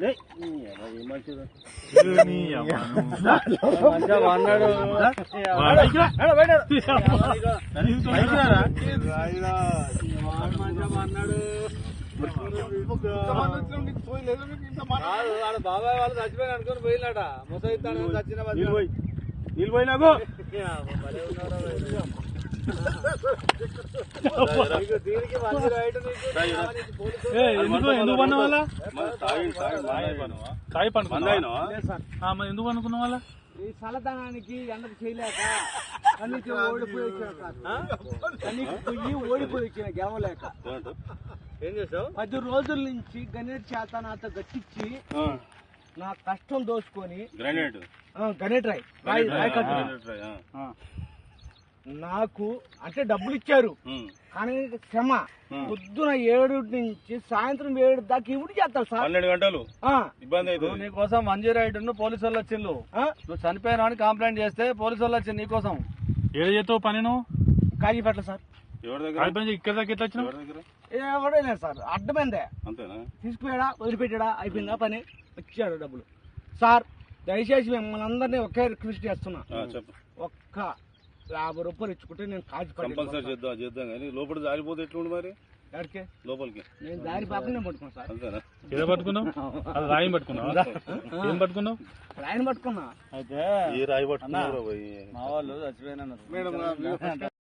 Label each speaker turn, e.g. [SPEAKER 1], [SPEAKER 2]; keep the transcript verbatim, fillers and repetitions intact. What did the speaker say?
[SPEAKER 1] అన్నాడు బాబాయ్ వాళ్ళు చచ్చిపోయిన అనుకుని పోయినాట ముసైతాను చచ్చిన నీళ్ళు పోయినాకు
[SPEAKER 2] ఎందుకు పన్న వాళ్ళ తాయి పండుకున్నా ఎందుకు అనుకున్న వాళ్ళ
[SPEAKER 1] ఈ చల్లదనానికి ఎండకు చేయలేక కన్నీకి ఓడిపోయి వచ్చిన కన్నీకి పొయ్యి ఓడిపోయి వచ్చిన గెలవలేక ఏం చేసావు పది రోజుల నుంచి గణేట్ చేత నాతో గట్టించి నా కష్టం దోచుకొని
[SPEAKER 3] గ్రానైట్
[SPEAKER 1] గణేట్ రాయ్ రాయ్ రాయ్ కట్టు నాకు అంటే డబ్బులు ఇచ్చారు కానీ క్షమ పొద్దున ఏడు నుంచి సాయంత్రం ఏడు దాకా ఇవి చేస్తారు సార్
[SPEAKER 3] పన్నెండు గంటలు ఇబ్బంది అయితే
[SPEAKER 2] నీకోసం మంజీ రైడ్ పోలీసు వాళ్ళు వచ్చిండు నువ్వు చనిపోయినా అని కంప్లైంట్ చేస్తే పోలీసు వాళ్ళు వచ్చింది నీకోసం ఏదో చేస్తావు పని నువ్వు
[SPEAKER 1] కాజీపేట సార్
[SPEAKER 3] ఎవరి దగ్గర
[SPEAKER 2] ఇక్కడ దాకా ఎట్లా వచ్చినావు
[SPEAKER 1] ఎవడైనా సార్ అడ్డమైందే
[SPEAKER 3] అంతేనా
[SPEAKER 1] తీసుకుపోయాడా వదిలిపెట్టాడా అయిపోయిందా పని వచ్చాడు డబ్బులు సార్ దయచేసి మిమ్మల్ని అందరినీ ఒకే రిక్వెస్ట్ చేస్తున్నా ఒక్క యాభై రూపాయలు ఇచ్చుకుంటే నేను కాజు
[SPEAKER 3] కంపల్సరీ చేద్దాం చేద్దాం కానీ లోపల జారిపోతే ఎట్లుండి మరి
[SPEAKER 1] ఎక్కడికి
[SPEAKER 3] లోపలికి
[SPEAKER 1] నేను దారి పాపనే పట్టుకున్నా సార్
[SPEAKER 3] అంతేనా
[SPEAKER 2] ఏదో పట్టుకున్నావు అది రాయి పట్టుకున్నావు ఏం పట్టుకున్నావు
[SPEAKER 1] రాయిని పట్టుకున్నా
[SPEAKER 3] అయితే ఏ రాయి పట్టుకున్నా
[SPEAKER 2] మా వాళ్ళు చచ్చిపోయినా